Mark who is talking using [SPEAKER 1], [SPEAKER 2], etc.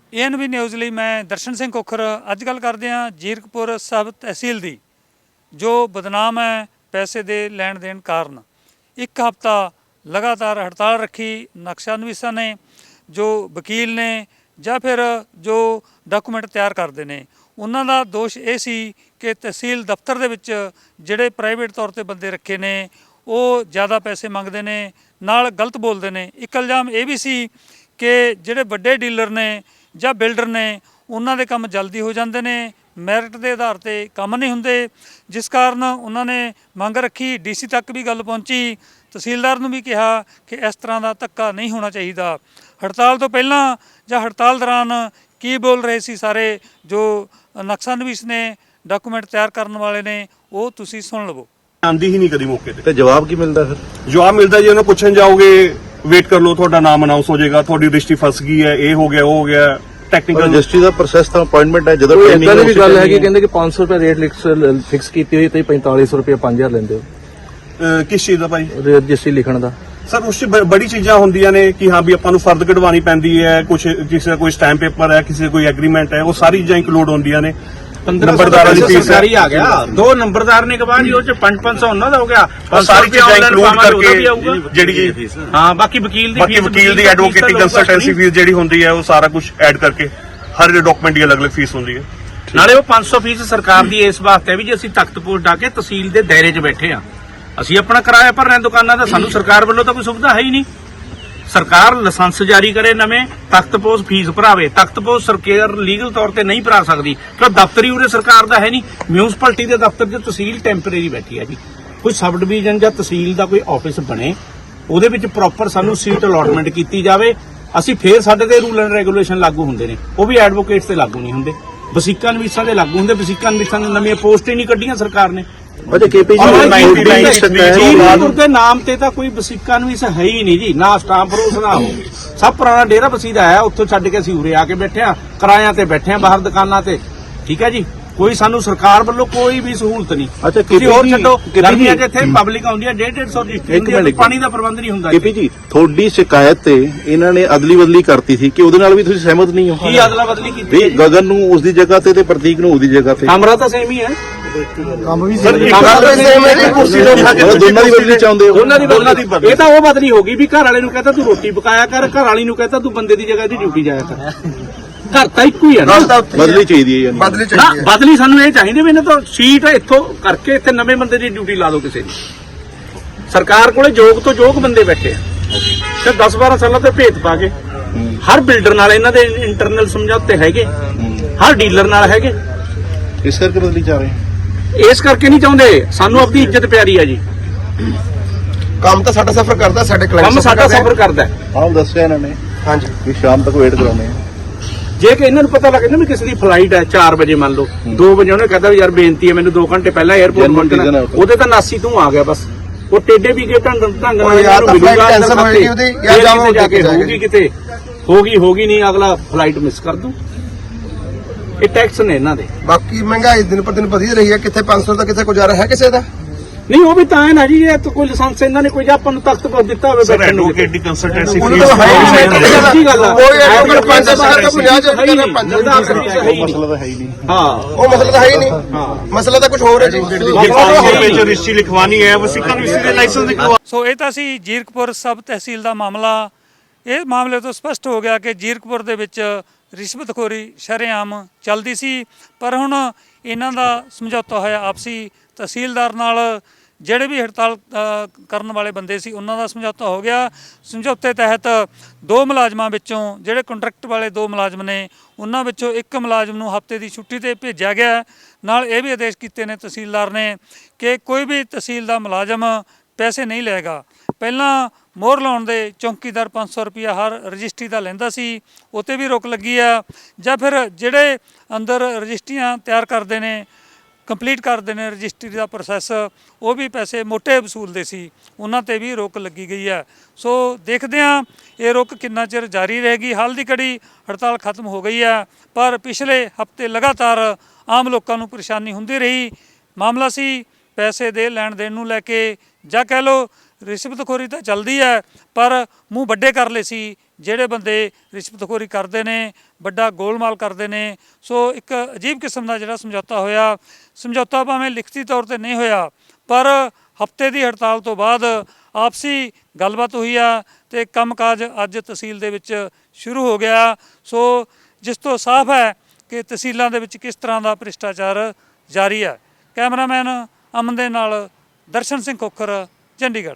[SPEAKER 1] ANB news ਲਈ ਮੈਂ ਦਰਸ਼ਨ ਸਿੰਘ ਕੋਖਰ। ਅੱਜ ਗੱਲ ਕਰਦੇ ਹਾਂ ਜੀਰਕਪੁਰ ਸਬ ਤਹਿਸੀਲ ਦੀ, ਜੋ ਬਦਨਾਮ ਹੈ ਪੈਸੇ ਦੇ ਲੈਣ ਦੇਣ ਕਾਰਨ। ਇੱਕ ਹਫ਼ਤਾ ਲਗਾਤਾਰ ਹੜਤਾਲ ਰੱਖੀ ਨਕਸ਼ਾ ਨਵੀਸਾਂ ਨੇ, ਜੋ ਵਕੀਲ ਨੇ ਜਾਂ ਫਿਰ ਜੋ ਡਾਕੂਮੈਂਟ ਤਿਆਰ ਕਰਦੇ ਨੇ। ਉਹਨਾਂ ਦਾ ਦੋਸ਼ ਇਹ ਸੀ ਕਿ ਤਹਿਸੀਲ ਦਫ਼ਤਰ ਦੇ ਵਿੱਚ ਜਿਹੜੇ ਪ੍ਰਾਈਵੇਟ ਤੌਰ 'ਤੇ ਬੰਦੇ ਰੱਖੇ ਨੇ ਉਹ ਜ਼ਿਆਦਾ ਪੈਸੇ ਮੰਗਦੇ ਨੇ, ਨਾਲ ਗਲਤ ਬੋਲਦੇ ਨੇ। ਇੱਕ ਇਲਜ਼ਾਮ ਇਹ ਵੀ ਸੀ ਕਿ ਜਿਹੜੇ ਵੱਡੇ ਡੀਲਰ ਨੇ ਜਾਂ ਬਿਲਡਰ ਨੇ ਉਹਨਾਂ ਦੇ ਕੰਮ ਜਲਦੀ ਹੋ ਜਾਂਦੇ ਨੇ, ਮੈਰਿਟ ਦੇ ਆਧਾਰ 'ਤੇ ਕੰਮ ਨਹੀਂ ਹੁੰਦੇ, ਜਿਸ ਕਾਰਨ ਉਹਨਾਂ ਨੇ ਮੰਗ ਰੱਖੀ। DC ਤੱਕ ਵੀ ਗੱਲ ਪਹੁੰਚੀ, ਤਹਿਸੀਲਦਾਰ ਨੂੰ ਵੀ ਕਿਹਾ ਕਿ ਇਸ ਤਰ੍ਹਾਂ ਦਾ ਧੱਕਾ ਨਹੀਂ ਹੋਣਾ ਚਾਹੀਦਾ। ਹੜਤਾਲ ਤੋਂ ਪਹਿਲਾਂ ਜਾਂ ਹੜਤਾਲ ਦੌਰਾਨ ਕੀ ਬੋਲ ਰਹੇ ਸੀ ਸਾਰੇ ਜੋ ਨਕਸ਼ਾ ਨਵੀਸ ਨੇ, ਡਾਕੂਮੈਂਟ ਤਿਆਰ ਕਰਨ ਵਾਲੇ ਨੇ, ਉਹ ਤੁਸੀਂ ਸੁਣ ਲਵੋ।
[SPEAKER 2] ਆਂਦੀ ਹੀ ਨਹੀਂ ਕਦੀ ਮੌਕੇ ਤੇ
[SPEAKER 3] ਜਵਾਬ ਕੀ ਮਿਲਦਾ? ਫਿਰ
[SPEAKER 2] ਜਵਾਬ ਮਿਲਦਾ ਜੀ ਉਹਨੂੰ ਪੁੱਛਣ ਜਾਓਗੇ ਵੇਟ ਕਰ ਲਓ, ਤੁਹਾਡਾ ਨਾਮ ਅਨਾਉਂਸ ਹੋ ਜਾਏਗਾ, ਤੁਹਾਡੀ ਰਜਿਸਟਰੀ ਫਸ ਗਈ ਹੈ, ਇਹ ਹੋ ਗਿਆ ਉਹ ਹੋ ਗਿਆ। ਟੈਕਨੀਕਲ
[SPEAKER 3] ਰਜਿਸਟਰੀ ਦਾ ਪ੍ਰੋਸੈਸ ਤਾਂ ਅਪਾਇੰਟਮੈਂਟ ਹੈ। ਜਦੋਂ
[SPEAKER 4] ਇਦਾਂ ਦੀ ਵੀ ਗੱਲ ਹੈ ਕਿ ਕਹਿੰਦੇ ਕਿ 500 ਰੁਪਏ ਰੇਟ ਫਿਕਸ ਕੀਤੀ ਹੋਈ ਤੇ 4500 ਰੁਪਏ 5000 ਲੈਂਦੇ ਹੋ
[SPEAKER 2] ਕਿਸ ਚੀਜ਼ ਦਾ ਭਾਈ?
[SPEAKER 4] ਰਜਿਸਟਰੀ ਲਿਖਣ ਦਾ।
[SPEAKER 2] ਸਰ ਉਸ 'ਚ ਬੜੀ ਚੀਜ਼ਾਂ ਹੁੰਦੀਆਂ ਨੇ ਕਿ ਹਾਂ ਵੀ ਆਪਾਂ ਨੂੰ ਫਰਦ ਕਢਵਾਉਣੀ ਪੈਂਦੀ ਹੈ, ਕੁਝ ਕਿਸੇ ਦਾ ਕੋਈ ਸਟੈਂਪ ਪੇਪਰ ਹੈ, ਕਿਸੇ ਦਾ ਕੋਈ ਐਗਰੀਮੈਂਟ ਹੈ, ਉਹ ਸਾਰੀ ਚੀਜ਼ਾਂ ਇੰਕਲੂਡ ਹੁੰਦੀਆਂ ਨੇ।
[SPEAKER 5] ਨੰਬਰਦਾਰਾਂ ਦੀ ਫੀਸ ਸਰਕਾਰੀ ਆ ਗਿਆ, 2 ਨੰਬਰਦਾਰ ਨੇ ਕਹਾ ਜੀ ਉਹ ਚ 500 ਉਹਨਾਂ ਦਾ ਹੋ ਗਿਆ,
[SPEAKER 2] ਸਾਰੀ ਚੀਜ਼ਾਂ ਇੰਕਲੂਡ ਕਰਕੇ ਜਿਹੜੀ
[SPEAKER 5] ਹਾਂ ਬਾਕੀ ਵਕੀਲ
[SPEAKER 2] ਦੀ ਐਡਵੋਕੇਟਿੰਗ ਕੰਸਲਟੈਂਸੀ ਫੀਸ ਜਿਹੜੀ ਹੁੰਦੀ ਹੈ ਉਹ ਸਾਰਾ ਕੁਝ ਐਡ ਕਰਕੇ ਹਰ ਡਾਕੂਮੈਂਟ ਦੀ ਅਲੱਗ-ਅਲੱਗ ਫੀਸ ਹੁੰਦੀ ਹੈ।
[SPEAKER 5] ਨਾਲੇ ਉਹ 500 ਫੀਸ ਸਰਕਾਰ ਦੀ ਇਸ ਵਾਸਤੇ ਹੈ ਵੀ ਜੇ ਅਸੀਂ ਤਖਤ ਪੋਸਟ ਆ ਕੇ ਤਹਿਸੀਲ ਦੇ ਦਾਇਰੇ 'ਚ ਬੈਠੇ ਆ, ਅਸੀਂ ਆਪਣਾ ਕਿਰਾਇਆ ਭਰ ਰਹੇ ਦੁਕਾਨਾਂ ਦਾ, ਸਾਨੂੰ ਸਰਕਾਰ ਵੱਲੋਂ ਤਾਂ ਕੋਈ ਸੁਵਿਧਾ ਹੈ ਹੀ ਨਹੀਂ। ਸਰਕਾਰ ਲਾਇਸੈਂਸ ਜਾਰੀ ਕਰੇ ਨਵੇਂ, ਤਖਤ ਪੋਸਟ ਫੀਸ ਭਰਾਵੇ। ਤਖਤ ਪੋਸਟ ਸਰਕਾਰ ਲੀਗਲ ਤੌਰ ਤੇ ਨਹੀਂ ਭਰਾ ਸਕਦੀ ਕਿਉਂ ਦਫ਼ਤਰੀ ਉਰੇ ਸਰਕਾਰ ਦਾ ਹੈ ਨਹੀਂ। ਮਿਊਨਿਸਪੈਲਿਟੀ ਦੇ ਦਫ਼ਤਰ 'ਚ ਤਹਿਸੀਲ ਟੈਂਪਰੇਰੀ ਬੈਠੀ ਹੈ ਜੀ। ਕੋਈ ਸਬ ਡਿਵੀਜ਼ਨ ਜਾਂ ਤਹਿਸੀਲ ਦਾ ਕੋਈ ਆਫਿਸ ਬਣੇ, ਉਹਦੇ ਵਿੱਚ ਪ੍ਰੋਪਰ ਸਾਨੂੰ ਸੀਟ ਅਲਾਟਮੈਂਟ ਕੀਤੀ ਜਾਵੇ, ਅਸੀਂ ਫੇਰ ਸਾਡੇ ਤੇ ਰੂਲ ਐਂਡ ਰੈਗੂਲੇਸ਼ਨ ਲਾਗੂ ਹੁੰਦੇ ਨੇ। ਉਹ ਵੀ ਐਡਵੋਕੇਟਸ ਤੇ ਲਾਗੂ ਨਹੀਂ ਹੁੰਦੇ, ਵਸੀਕਾ ਨਵੀਸਾਂ ਦੇ ਲਾਗੂ ਹੁੰਦੇ। ਵਸੀਕਾ ਨਵੀਸਾਂ ਨੇ ਨਵੀਆਂ ਪੋਸਟ ਹੀ ਨਹੀਂ ਕੱਢੀਆਂ ਸਰਕਾਰ ਨੇ। ਜੀਰਕਪੁਰ ਦੇ ਨਾਮ ਤੇ ਤਾਂ ਕੋਈ ਵਸੀਕਾ ਨਵੀਸ ਹੈ ਹੀ ਨਹੀਂ ਜੀ, ਨਾ ਸਟਾਂਪ ਰੋਸ ਨਾ ਹੋ। ਸਭ ਪੁਰਾਣਾ ਡੇਰਾ ਵਸੀਦਾ ਹੈ, ਉੱਥੋਂ ਛੱਡ ਕੇ ਅਸੀਂ ਉਰੇ ਆ ਕੇ ਬੈਠੇ ਆ, ਕਿਰਾਇਆਂ ਤੇ ਬੈਠੇ ਆ ਬਾਹਰ ਦੁਕਾਨਾਂ ਤੇ। ਠੀਕ ਹੈ ਜੀ, ਕੋਈ ਸਾਨੂੰ ਸਰਕਾਰ ਵੱਲੋਂ ਕੋਈ ਵੀ ਸਹੂਲਤ ਨਹੀਂ। ਤੁਸੀਂ ਹੋਰ ਛੱਡੋ, ਗਰਮੀਆਂ 'ਚ ਇੱਥੇ ਪਬਲਿਕ ਆਉਂਦੀ ਹੈ 150 ਰਜਿਸਟਰੀ, ਪਾਣੀ ਦਾ ਪ੍ਰਬੰਧ ਨਹੀਂ ਹੁੰਦਾ।
[SPEAKER 3] ਕੇਪੀ ਜੀ, ਤੁਹਾਡੀ ਸ਼ਿਕਾਇਤ ਤੇ ਇਹਨਾਂ ਨੇ ਅਦਲੀ ਬਦਲੀ ਕਰਤੀ ਸੀ ਕਿ ਉਹਦੇ ਨਾਲ ਵੀ ਤੁਸੀਂ ਸਹਿਮਤ ਨਹੀਂ ਹੋ?
[SPEAKER 5] ਕੀ ਅਦਲਾ ਬਦਲੀ ਕੀਤੀ?
[SPEAKER 3] ਗਗਨ ਨੂੰ ਉਸ ਦੀ ਜਗ੍ਹਾ ਤੇ ਪ੍ਰਤੀਕ ਨੂੰ ਉਹਦੀ ਜਗ੍ਹਾ ਤੇ।
[SPEAKER 5] ਕਮਰਾ ਤਾਂ ਸੇਮ ਹੀ ਹੈ,
[SPEAKER 3] ਕੰਮ ਵੀ ਦੋਨਾਂ ਦੀ ਬਦਲੀ ਚਾਹੁੰਦੇ ਹੋ?
[SPEAKER 5] ਦੋਨਾਂ ਦੀ ਬਦਲੀ। ਇਹ ਤਾਂ ਉਹ ਬਦਲੀ ਹੋ ਗਈ ਵੀ ਘਰ ਵਾਲੇ ਨੂੰ ਕਹਿੰਦਾ ਤੂੰ ਰੋਟੀ ਪਕਾਇਆ ਕਰ, ਘਰ ਵਾਲੀ ਨੂੰ ਕਹਿੰਦਾ ਤੂੰ ਬੰਦੇ ਦੀ ਜਗ੍ਹਾ ਦੀ ਡਿਊਟੀ ਜਾਇਆ ਕਰ। ਘਰ ਤਾਂ ਇੱਕੋ ਹੀ ਹੈ ਨਾ।
[SPEAKER 3] ਬਦਲੀ ਚਾਹੀਦੀ ਹੈ,
[SPEAKER 5] ਬਦਲੀ ਸਾਨੂੰ ਇਹ ਚਾਹੀਦੀ ਵੀ ਇਹਨਾਂ ਤੋਂ ਸੀਟ ਇੱਥੋਂ ਕਰਕੇ ਇੱਥੇ ਨਵੇਂ ਬੰਦੇ ਦੀ ਡਿਊਟੀ ਲਾ ਦਿਓ ਕਿਸੇ ਦੀ। ਸਰਕਾਰ ਕੋਲੇ ਯੋਗ ਤੋਂ ਯੋਗ ਬੰਦੇ ਬੈਠੇ ਆ ਤੇ 10-12 ਸਾਲਾਂ ਤੋਂ ਭੇਤ ਪਾ ਕੇ ਹਰ ਬਿਲਡਰ ਨਾਲ ਇਹਨਾਂ ਦੇ ਇੰਟਰਨਲ ਸਮਝੌਤੇ ਹੈਗੇ, ਹਰ ਡੀਲਰ ਨਾਲ ਹੈਗੇ।
[SPEAKER 3] ਇਸ ਕਰਕੇ ਬਦਲੀ ਚਾਹ ਰਹੇ?
[SPEAKER 5] ਇਸ ਕਰਕੇ ਨਹੀਂ ਚਾਹੁੰਦੇ, ਸਾਨੂੰ ਆਪਣੀ ਇੱਜ਼ਤ ਪਿਆਰੀ ਆ ਜੀ।
[SPEAKER 6] ਕੰਮ ਤਾਂ ਸਾਡਾ ਸਫਰ ਕਰਦਾ, ਸਾਡੇ ਕਲਾਇੰਟ
[SPEAKER 5] ਕੰਮ ਸਾਡਾ ਸਫਰ ਕਰਦਾ।
[SPEAKER 3] ਆਪ ਦੱਸਿਆ ਇਹਨਾਂ ਨੇ
[SPEAKER 6] ਹਾਂਜੀ
[SPEAKER 3] ਕਿ ਸ਼ਾਮ ਤੱਕ ਵੇਟ ਕਰਾਉਣੇ ਆ।
[SPEAKER 5] ਜੇ ਕਿ ਇਹਨਾਂ ਨੂੰ ਪਤਾ ਲੱਗੇ ਨਾ ਵੀ ਕਿਸੇ ਦੀ ਫਲਾਈਟ ਹੈ 4 ਵਜੇ, ਮੰਨ ਲਓ 2 ਵਜੇ ਉਹਨੇ ਕਹਿੰਦਾ ਵੀ ਯਾਰ ਬੇਨਤੀ ਹੈ ਮੈਨੂੰ 2 ਘੰਟੇ ਪਹਿਲਾਂ 에ਅਰਪੋਰਟ ਪਹੁੰਚਣਾ, ਉਹਦੇ ਤਾਂ ਨਾਸੀ ਤੂੰ ਆ ਗਿਆ ਬਸ। ਉਹ ਟੇਡੇ ਵੀ ਗਏ ਢੰਗ ਨਾਲ ਜਾ ਕੇ ਹੋਊਗੀ ਕਿਤੇ, ਹੋਗੀ ਨਹੀਂ, ਅਗਲਾ ਫਲਾਈਟ ਮਿਸ ਕਰ ਦੂ। ਇਹ ਟੈਕਸ ਨੇ ਇਹਨਾਂ ਦੇ।
[SPEAKER 6] ਬਾਕੀ ਮਹਿੰਗਾਈ ਦਿਨ ਪਰ ਦਿਨ ਵਧੀ ਰਹੀ ਹੈ, ਕਿੱਥੇ 500 ਦਾ ਕਿੱਥੇ ਗੁਜ਼ਾਰਾ ਹੈ ਕਿਸੇ ਦਾ
[SPEAKER 5] ਨਹੀਂ। ਉਹ ਵੀ ਤਾਂ ਹੈ ਨਾ ਜੀ, ਇਹ ਤਾਂ ਕੋਈ ਲਾਇਸੈਂਸ ਇਹਨਾਂ ਨੇ ਕੋਈ ਆਪਾਂ ਨੂੰ ਤਖਤ ਪਰ ਦਿੱਤਾ ਹੋਵੇ ਬੈਠਣ ਨੂੰ।
[SPEAKER 2] ਐਡਵੋਕੇਟਿੰਗ ਕੰਸਲਟੈਂਸੀ
[SPEAKER 5] ਮਸਲਾ
[SPEAKER 3] ਤਾਂ ਹੈ ਹੀ ਨਹੀਂ।
[SPEAKER 5] ਹਾਂ,
[SPEAKER 6] ਉਹ ਮਸਲਾ ਤਾਂ ਹੈ ਹੀ ਨਹੀਂ। ਮਸਲਾ ਤਾਂ ਕੁਝ ਹੋਰ ਹੈ ਜੀ।
[SPEAKER 2] ਰਜਿਸਟਰੀ ਲਿਖਵਾਨੀ ਹੈ, ਵਸੀਕਾ ਨਵੀਸੀ ਦੇ ਲਾਇਸੈਂਸ ਲਿਖਵਾ।
[SPEAKER 1] ਸੋ ਇਹ ਤਾਂ ਸੀ ਜੀਰਕਪੁਰ ਸਬ ਤਹਿਸੀਲ ਦਾ ਮਾਮਲਾ। ਇਹ ਮਾਮਲੇ ਤੋਂ ਸਪਸ਼ਟ ਹੋ ਗਿਆ ਕਿ ਜੀਰਕਪੁਰ ਦੇ ਵਿੱਚ ਰਿਸ਼ਵਤਖੋਰੀ ਸ਼ਰੇਆਮ ਚੱਲਦੀ ਸੀ, ਪਰ ਹੁਣ ਇਹਨਾਂ ਦਾ ਸਮਝੌਤਾ ਹੋਇਆ ਆਪਸੀ ਤਹਿਸੀਲਦਾਰ ਨਾਲ। ਜਿਹੜੇ ਵੀ ਹੜਤਾਲ ਕਰਨ ਵਾਲੇ ਬੰਦੇ ਸੀ ਉਹਨਾਂ ਦਾ ਸਮਝੌਤਾ ਹੋ ਗਿਆ। ਸਮਝੌਤੇ ਤਹਿਤ 2 ਮੁਲਾਜ਼ਮਾਂ ਵਿੱਚੋਂ, ਜਿਹੜੇ ਕੰਟਰੈਕਟ ਵਾਲੇ 2 ਮੁਲਾਜ਼ਮ ਨੇ, ਉਹਨਾਂ ਵਿੱਚੋਂ 1 ਮੁਲਾਜ਼ਮ ਨੂੰ ਹਫ਼ਤੇ ਦੀ ਛੁੱਟੀ 'ਤੇ ਭੇਜਿਆ ਗਿਆ। ਨਾਲ ਇਹ ਵੀ ਆਦੇਸ਼ ਕੀਤੇ ਨੇ ਤਹਿਸੀਲਦਾਰ ਨੇ ਕਿ ਕੋਈ ਵੀ ਤਹਿਸੀਲ ਦਾ ਮੁਲਾਜ਼ਮ ਪੈਸੇ ਨਹੀਂ ਲਏਗਾ। ਪਹਿਲਾਂ ਮੋਹਰ ਲਾਉਣ ਦੇ ਚੌਂਕੀਦਾਰ 500 ਰੁਪਇਆ ਹਰ ਰਜਿਸਟਰੀ ਦਾ ਲੈਂਦਾ ਸੀ, ਉਹ 'ਤੇ ਵੀ ਰੋਕ ਲੱਗੀ ਆ। ਜਾਂ ਫਿਰ ਜਿਹੜੇ ਅੰਦਰ ਰਜਿਸਟਰੀਆਂ ਤਿਆਰ ਕਰਦੇ ਨੇ, ਕੰਪਲੀਟ ਕਰਦੇ ਨੇ ਰਜਿਸਟਰੀ ਦਾ ਪ੍ਰੋਸੈਸ, ਉਹ ਵੀ ਪੈਸੇ ਮੋਟੇ ਵਸੂਲਦੇ ਸੀ, ਉਹਨਾਂ 'ਤੇ ਵੀ ਰੋਕ ਲੱਗੀ ਗਈ ਹੈ। ਸੋ ਦੇਖਦੇ ਹਾਂ ਇਹ ਰੋਕ ਕਿੰਨਾ ਚਿਰ ਜਾਰੀ ਰਹੇਗੀ। ਹਾਲ ਦੀ ਘੜੀ ਹੜਤਾਲ ਖਤਮ ਹੋ ਗਈ ਹੈ, ਪਰ ਪਿਛਲੇ ਹਫ਼ਤੇ ਲਗਾਤਾਰ ਆਮ ਲੋਕਾਂ ਨੂੰ ਪਰੇਸ਼ਾਨੀ ਹੁੰਦੀ ਰਹੀ। ਮਾਮਲਾ ਸੀ ਪੈਸੇ ਦੇ ਲੈਣ ਦੇਣ ਨੂੰ ਲੈ ਕੇ, ਜਾਂ ਕਹਿ ਲਓ ਰਿਸ਼ਵਤਖੋਰੀ ਤਾਂ ਚੱਲਦੀ ਹੈ, ਪਰ ਮੂੰਹ ਵੱਡੇ ਕਰ ਲਏ ਸੀ ਜਿਹੜੇ ਬੰਦੇ ਰਿਸ਼ਵਤਖੋਰੀ ਕਰਦੇ ਨੇ, ਵੱਡਾ ਗੋਲਮਾਲ ਕਰਦੇ ਨੇ। ਸੋ ਇੱਕ ਅਜੀਬ ਕਿਸਮ ਦਾ ਜਿਹੜਾ ਸਮਝੌਤਾ ਹੋਇਆ, ਸਮਝੌਤਾ ਭਾਵੇਂ ਲਿਖਤੀ ਤੌਰ ਤੇ ਨਹੀਂ ਹੋਇਆ, ਪਰ ਹਫ਼ਤੇ ਦੀ ਹੜਤਾਲ ਤੋਂ ਬਾਅਦ ਆਪਸੀ ਗੱਲਬਾਤ ਹੋਈ ਆ ਤੇ ਕੰਮਕਾਜ ਅੱਜ ਤਹਿਸੀਲ ਦੇ ਵਿੱਚ ਸ਼ੁਰੂ ਹੋ ਗਿਆ। ਸੋ ਜਿਸ ਤੋਂ ਸਾਫ਼ ਹੈ ਕਿ ਤਹਿਸੀਲਾਂ ਦੇ ਵਿੱਚ ਕਿਸ ਤਰ੍ਹਾਂ ਦਾ ਭ੍ਰਿਸ਼ਟਾਚਾਰ ਜਾਰੀ ਹੈ। ਕੈਮਰਾਮੈਨ ਅਮਨ ਦੇ ਨਾਲ ਦਰਸ਼ਨ ਸਿੰਘ ਖੋਖਰ, ਚੰਡੀਗੜ੍ਹ।